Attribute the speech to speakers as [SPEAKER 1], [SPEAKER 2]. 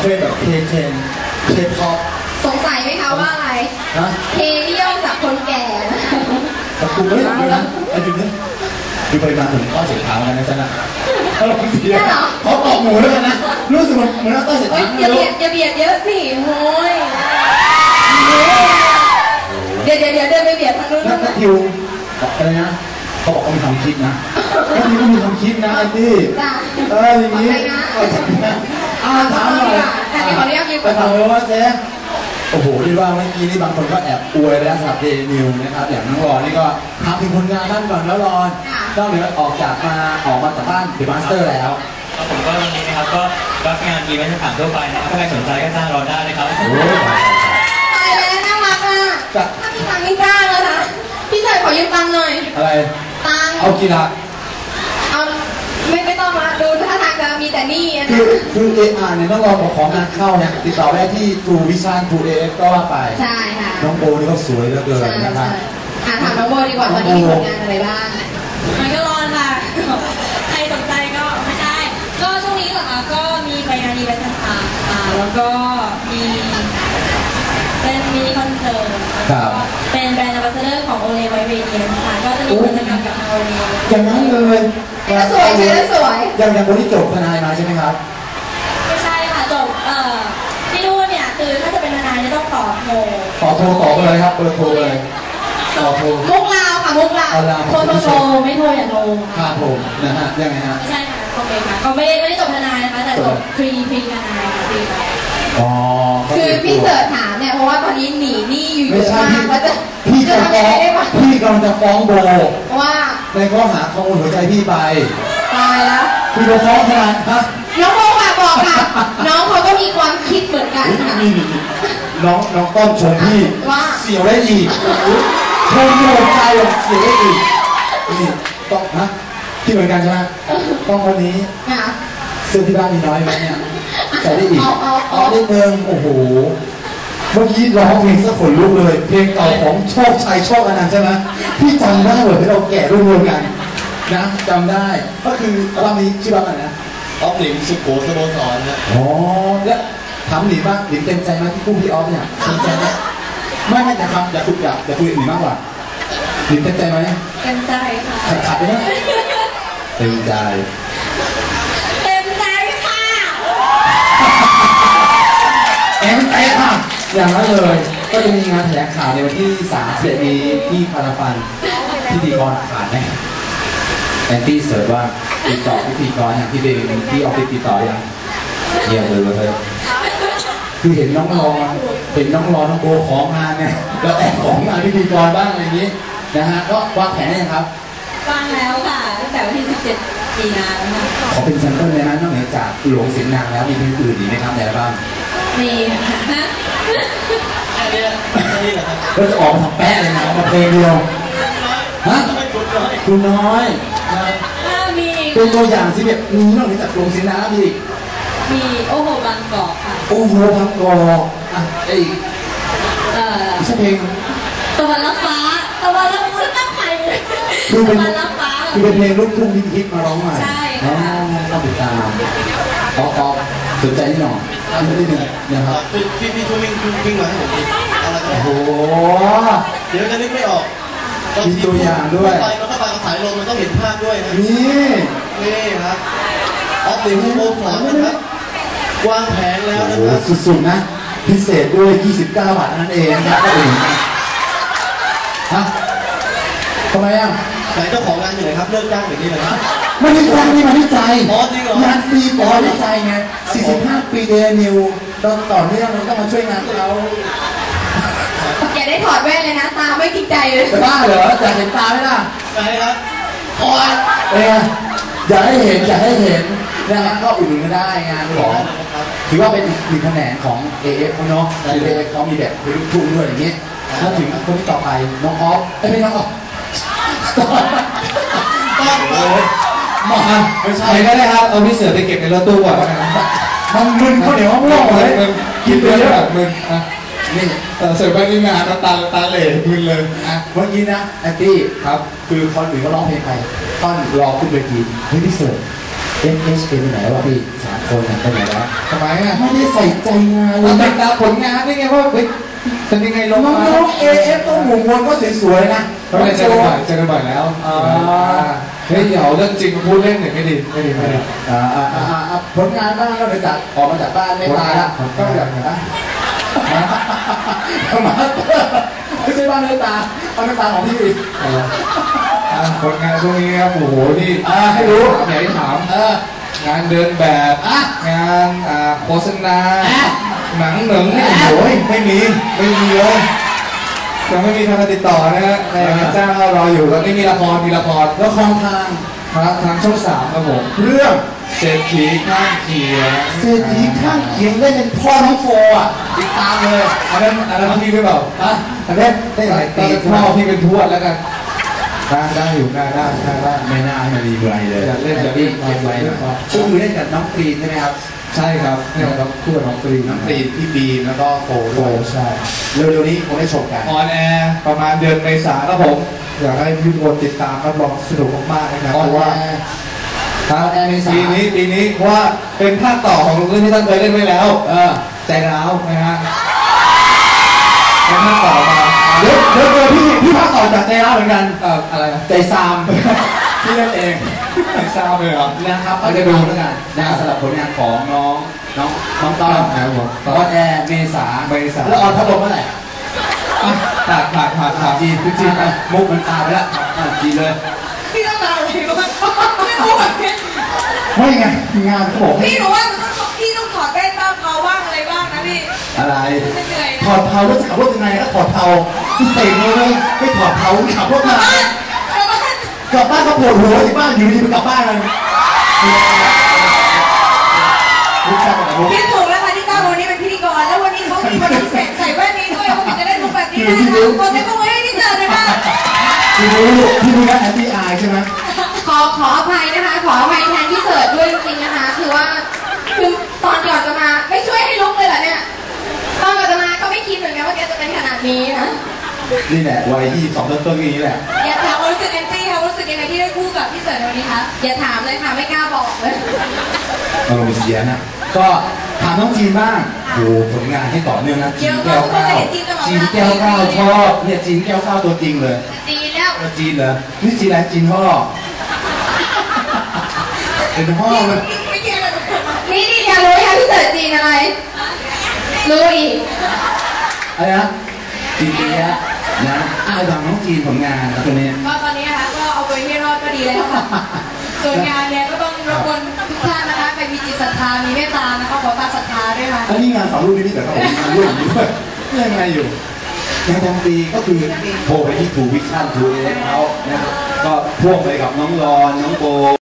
[SPEAKER 1] เป็นแบบเคพ็อป
[SPEAKER 2] สงสัยไหมคะว่าอะไรเคนี่ย่อจากคนแก่
[SPEAKER 1] แต่กูไม่รู้นะไอ้จุดนี้ดูปริมาณถึงข้อเสียขาวกันนะจ๊ะนะเขาลองเสียเขาตอกหมูแล้วกันนะรู้สึกเหมือนข้อเสียขาว
[SPEAKER 2] อย่าเบียดเยอะสิโว้ยเดี๋ยวเดินไปเบียดทางนู้น
[SPEAKER 1] นักทิวอะไรนะเขาบอกเขามีความคิดนะแล้วนี่ก็มีความคิดนะไอ้ที่อย่างนี้ถามหน่อย
[SPEAKER 2] ขออนุญาตยืม
[SPEAKER 1] ไปถามเลยว่าเจ๊โอ้โหที่ว่าเมื่อกี้นี่บางคนก็แอบอวยแล้วสำหรับเดนิวนะครับอย่างน้องรอนนี่ก็ทำถึงผลงานท่านก่อนแล้วรอนนอกเหนือออกมาจากบ้านเดอะมาสเตอร์แล้ว
[SPEAKER 3] ผมก็วันนี้นะครับก็รับงานอีเวนต์ต่างๆทั่วไปนะครับถ้าใครสนใจก็จ้างรอนได้นะครับ
[SPEAKER 2] ตายแล้วน่ารักอ่ะถ้ามีตังค์ไม่กล้าเลยนะพี่ชายขอยืมตังค์หน่อย
[SPEAKER 1] อะไร
[SPEAKER 2] ตังค์
[SPEAKER 1] เอากี่ละ
[SPEAKER 2] เอาไม่ต้องมาดูถ้าทางจะมีแต่นี่
[SPEAKER 1] คือเนี่ยต้องรอของงานเข้าเนี่ยติดต่อได้ที่ True Vision True AF ก็ว่าไป
[SPEAKER 2] ใช่ค่ะ
[SPEAKER 1] น้องโบนี่ก็สวยเหลือเกินนะครับ
[SPEAKER 2] ถามน้องโบดีกว่าตอนนี้มีผลงานอะไรบ้าง
[SPEAKER 4] มันก็ร้อนค่ะใครสนใจก็ไม่ได้ก็ช่วงนี้เหรอคะก็มีไปงานอีเวนต์ต่างๆแล้วก็มีเป็นมินิคอนเสิร์ตเป็นแบรนด์แอมบาสเดอร์ของโอเลไวเวเนียค่ะก็จะมีกิจกรรมกับทางโอเล
[SPEAKER 1] อย่างนั้นเลย
[SPEAKER 2] สวยใช่ไหมสวย
[SPEAKER 1] อย่างคนที่จบทนายมาใช่ไหมครับ
[SPEAKER 4] ไม่ใช่ค่ะจบที่นู่นเนี่ยคือถ้าจะเป็นทนายจะต้องต่อโท
[SPEAKER 1] ต่อไปเลยครับเบอร์โทรเลยต่อโทร
[SPEAKER 2] มุกลาวค่ะมุกลาว
[SPEAKER 4] โทรไม่โทรอย่าโทร
[SPEAKER 1] ค่ะผมนะฮะยังไงฮะ
[SPEAKER 4] ไม่ใช่ค่ะโอเคค่ะก็ไม่ได้จบทนายนะคะแต่จบพรีทนายค่ะพรีไป
[SPEAKER 2] คือพี่เสิร์ชถามเนี่ยเพราะว่าตอนนี้หนีหนี้อยู่เยอะมากแล้วจะ
[SPEAKER 1] พี่กำลังจะฟ้องโบ
[SPEAKER 2] ว่า
[SPEAKER 1] ในข้อหาขโมยหัวใจพี่ไป
[SPEAKER 2] ตายแล้ว
[SPEAKER 1] พี่จะฟ้องทนายฮะ
[SPEAKER 2] น้องโบค่ะบอกค่ะน้องเขาก็มีความคิดเหมือนกันค่ะ
[SPEAKER 1] น้องต้นชมพี่
[SPEAKER 2] ว่า
[SPEAKER 1] เสียวได้อีกชมหัวใจเสียวได้อีกนี่ต้องนะที่เหมือนกันใช่ไหมต้องคนนี้เสื้อที่บ้านมีน้อยไหมเนี่ยใส่ได้อีกเอาได้เมืองโอ้โหเมื่อกี้ร้องเพลงสะขนลุกเลยเพลงเก่าของโชคชัยโชคอนันต์ใช่ไหมพี่จำได้เหมือนที่เราแก่รวมกันนะจำได้ก็คืออัลบั้มนี้ชื่อว่าอะไรนะ
[SPEAKER 3] ออฟหลิมสุโขสโมสรนะ
[SPEAKER 1] อ๋อแล้วถามหลิมว่าหลิมเต็มใจไหมที่คู่พี่ออฟเนี่ยเต็มใจไหมไม่จะทำอย่าคุยหลิมมากกว่าหลิมเต็มใจไหม
[SPEAKER 4] เต็มใจค่ะ
[SPEAKER 1] ขัดไปนะเต็มใจค่ะอย่างนั้นเลยก็จะมีงานแถลงข่าวในวันที่30นี้ที่พาราฟันพิธีกรขาดแน่แอนตี้เสิร์ชว่าติดต่อพิธีกรอย่างที่เดนที่ออฟฟิศติดต่อยังเยี่ยมเลยคือเห็นน้องรอน้องโบของงานเนี่ยแล้วแอบของงานพิธีกรบ้างอะไรอย่างนี้นะฮะก็วางแผนได้ยังครับ
[SPEAKER 4] วางแล้วค่ะตั้งแต่วันที่17 มีนาแล้วค่ะ
[SPEAKER 1] ขอเป็นแซมเปิลเลยนะนอกเหนือจากหลวงเสียงนางแล้วมีเพลงอื่นอีกไหมครับในอัลบั้ม
[SPEAKER 4] มีค่ะ
[SPEAKER 1] เราจะออกมาทำแป๊ะเลยนะมาเพลงเดียวฮะคุณน้อย
[SPEAKER 4] มี
[SPEAKER 1] เป็นตัวอย่างสิแบบมีนอกจากหลวงเสียงนางมี
[SPEAKER 4] โอ้โหบางกอกค่ะ
[SPEAKER 1] โอ้โหบางกอกอ่ะไอ้อีกเพลง
[SPEAKER 4] ตะวันรับฟ้าตะวันรับฟ้าตั้งใคร
[SPEAKER 1] คือเป็นเพลงลูกทุ่งฮิตมาร้องใหม่
[SPEAKER 4] ใช่ค่ะ
[SPEAKER 1] ต้องติดตามขอสนใจนิดหน่อยนิดนึงนะครับ
[SPEAKER 3] พี่ช่วยวิ่งมาให้ผมดิ
[SPEAKER 1] โอ้โห
[SPEAKER 3] เดี๋ยวจะนึกไม่ออก
[SPEAKER 1] มีตัวอย่างด้วย
[SPEAKER 3] ไปมันก็ไปถ่ายลงมันต้องเห็นภาพด้วยนะ
[SPEAKER 1] นี่
[SPEAKER 3] ครับออฟหลิมโมสอนนะครับวางแผนแล้วนะครับ
[SPEAKER 1] สุดๆนะพิเศษด้วย29 บาทนั่นเองนะครับก็เองฮะทำไมอ่ะ
[SPEAKER 3] ไหนเจ้าของงานอยู่ไหนครับเลิกจ้างอย่างนี้เลยนะ
[SPEAKER 1] ไม่ได้จ้างนี่มาที่ใจ
[SPEAKER 3] จริงเหรอง
[SPEAKER 1] านฟรีปอที่ใจไง45 ปีเดนิวเราต่อเนื่องเราต้องมาช่วยงานเรา
[SPEAKER 2] อย่าได้ถอดแว่นเลยนะตาไม่จริงใจเลย
[SPEAKER 1] จะบ้าเหรออยากเห็นตาไหมล่ะ
[SPEAKER 3] ใช่ครับ
[SPEAKER 1] โอ้ยอยากให้เห็นนะฮะก็อุดหนุนก็ได้งานของถือว่าเป็นหนึ่งแขนงของ AF เขาเนาะ AF เขามีแบบลูกทุ่งด้วยอย่างเงี้ยแล้วถึงคนที่ต่อไปน้องออฟไม่น้องออฟมา
[SPEAKER 3] ไม่ใช่
[SPEAKER 1] ก็ได้ครับเอาพี่เสือไปเก็บในรถตู้ก่อนมันมึนข้าวเหนียวมะม่วงเลยกินไปเยอะมึนนี่เสิร์ฟไปที่งานตาเหล่มึนเลยเมื่อกี้นะแอนตี้ครับคือคนอื่นก็ร้องเพลงไปต้นรอขึ้นเวทีเฮ้ยพี่เสิร์ฟ FHK ไปไหนวะพี่3 คนไปไหนแล้ว
[SPEAKER 5] ทำไมอ่ะ
[SPEAKER 1] ไม่ได้ใส่ใจงานเล
[SPEAKER 5] เรา
[SPEAKER 1] ย
[SPEAKER 5] ติดตามผลงานได้ไงว่าเฮ้ยเป็นยังไงลง
[SPEAKER 1] น้
[SPEAKER 5] มา
[SPEAKER 1] องๆ AF ต้องหมุนวนก็สวยๆนะ
[SPEAKER 5] เราได้เจอกันบ่อยแล้วเฮ้ยเดี๋ยวเรื่องจริงพูดเล่นหน่อยไม่ดี
[SPEAKER 1] ผลงานบ้างแล้วเดี๋ยวจากออกมาจากบ้านไม่ตายละก็อย่างนะมาไม่ใช่บ้านเนื้อตาบ้านเนื้อตาของพี่
[SPEAKER 5] ผลงานช่วงนี้ครับโอ้โหนี่
[SPEAKER 1] ให้รู้
[SPEAKER 5] อยากให้ถามงานเดินแบบงานโฆษณาหนังเหนึ่งนี่โอ้ยไม่มีเลยยังไม่มีทางติดต่อนะฮะในจ้างเรารออยู่ตอนนี้มีละคร
[SPEAKER 1] ละคร
[SPEAKER 5] ทางช่อง3ครับผม
[SPEAKER 1] เรื่อง
[SPEAKER 5] เศรษฐีข้างเคียง
[SPEAKER 1] เศรษฐีข้างเคียงเล่นเป็นพ่อน้องโฟอ่ะติดตามเลย
[SPEAKER 5] อันนั้นพี่ไม่เปล่า
[SPEAKER 1] อันนี้ได้หลาย
[SPEAKER 5] ตอ
[SPEAKER 1] ปี
[SPEAKER 5] นพ่อพี่เป็นทวดแล้วกันได้อยู่ได้
[SPEAKER 1] ไม่น่าให้มันมีไรเลย
[SPEAKER 5] อยากเล่นแบบนี้เก็บไว้นะ
[SPEAKER 1] ก็คือเล่นกับน้องกรีนใช่ไหมครับ
[SPEAKER 5] ใช่ครับเนี่ยเราคู่กับน้องกรีน
[SPEAKER 1] น้องกรีนพี่บีมแล้วก็โฟ
[SPEAKER 5] โฟ
[SPEAKER 1] ด้วย
[SPEAKER 5] ใช่
[SPEAKER 1] เร็วๆนี้คงได้ชมกัน
[SPEAKER 5] ออนแอร์ประมาณเดือนเมษาครับผมอยากให้พี่ทุกคนติดตามรับรองสนุกมากๆนะครับ
[SPEAKER 1] ออน
[SPEAKER 5] เพราะ
[SPEAKER 1] แอ
[SPEAKER 5] ว่า
[SPEAKER 1] ร์ออนแอร์เมษา
[SPEAKER 5] ปีนี้เพราะว่าเป็นภาคต่อของเรื่องที่ท่านเคยเล่นไว้แล้วใจร้าวนะฮะเป็นภาคต่อมา
[SPEAKER 1] เดี๋ยวพี่ภาคต่อจากใจร้าวเหมือนกัน
[SPEAKER 5] อะไรนะ
[SPEAKER 1] ใจซามพี่เล่นเอง
[SPEAKER 5] ไม่ทราบเลยเหรอ
[SPEAKER 1] นะครับก็จะดูแล้วกันนะสำหรับผลงานของน้องต้อม
[SPEAKER 5] นะครับผม
[SPEAKER 1] ออนแอร์เมษา
[SPEAKER 5] เมษา
[SPEAKER 1] แล้วออนพัดลมเมื่อไหร่
[SPEAKER 5] ผ่าน
[SPEAKER 1] จีนไปมุกมันตายไปแล้วจีนเลย
[SPEAKER 2] พี่ต้องมาอะไรบ้างไม่รู้แบบนี้
[SPEAKER 1] ไม่ไงงานเขาบอกให้
[SPEAKER 2] พี่รู้ว่าพี่ต้องถอดแว่นบ้างเขาบ้างอะไรบ้างนะพี่
[SPEAKER 1] อะไร
[SPEAKER 2] เหนื่อย
[SPEAKER 1] ถอดเทาแล้วจะขับรถยังไงก็ถอดเทาพี่เตะเลยไม่ถอดเทาขับรถมา
[SPEAKER 2] นะแล้วก็
[SPEAKER 1] กลับบ้านก็ปวดหัวที่บ้านอยู่ดีไปกลับบ้านเลยรู้จักกับมุก
[SPEAKER 2] คิดถูกแล้วค่ะที่ก้าววันนี้เป็นพิธีกรแล้ววันนี้เขามีวันพิเศษใส่แว่นนี้ด้วยเขาจะได้ลุกแบบนี้นะคะขอเสียงปรบมือให้พี่เสิร์ฟเลยค่ะ
[SPEAKER 1] พี่รู้นะแอนตี้อายใช่ไหม
[SPEAKER 2] ขออภัยนะคะ ขออภัยแทนพี่เสิร์ฟด้วยจริงๆนะคะ คือตอนก่อนจะมาไม่ช่วยให้ลุกเลยเหรอเนี่ยตอนก่อนจะมาก็ไม่คิดเหมือนกันว่าแกจะเป็นขนาดนี้นะ
[SPEAKER 1] นี่แหละวัย22ต้นๆอย่างนี้แหละ
[SPEAKER 2] อย่าถามความรู้สึกแอนตี้ค่ะรู้สึกยังไงที่ได้คู่กับพี่เสิร์ฟในวันนี้คะอย่าถามเลยค่ะไม่กล้าบอกเลย
[SPEAKER 1] อารมณ์เสียนะก็ถามน้องจีนบ้างโอ้ผลงานที่ต่อเนื่องนะจีนแก้วก้าวจีนแก้วก้าวชอบเนี่ยจีนแก้วก้าวตัวจริงเลย
[SPEAKER 2] จีนแล้ว
[SPEAKER 1] จีนเหรอนี่จีนอะไรจีนพ่อเป็นพ่อเลย
[SPEAKER 2] ไม่เกี่ยวเลยนี่อยากรู้ไหมคะพี่เสิร์ฟจีนอะไรรู้อีก
[SPEAKER 1] อะไรนะจีนเตี้ยนะดังน้องจีนผลงานตัวนี้
[SPEAKER 2] ก็ตอนนี้นะคะก็เอาไปให้รอดก็ดีแล้วค่ะส่วนงานเนี่ยก็ต้องรบกวนทุกท่านนะคะใครมีจิตศรัทธามีเมตตานะคะขอตามศรัทธาด้วยค่ะ
[SPEAKER 1] อันนี้งานสองรูปนี้แต่ก็ผมงานร่วมอยู่ด้วยยังไงอยู่งานกลางปีก็คือโทรไปที่ทูวิชั่นทูเอเขานะครับก็พ่วงไปกับน้องรอนน้องโบ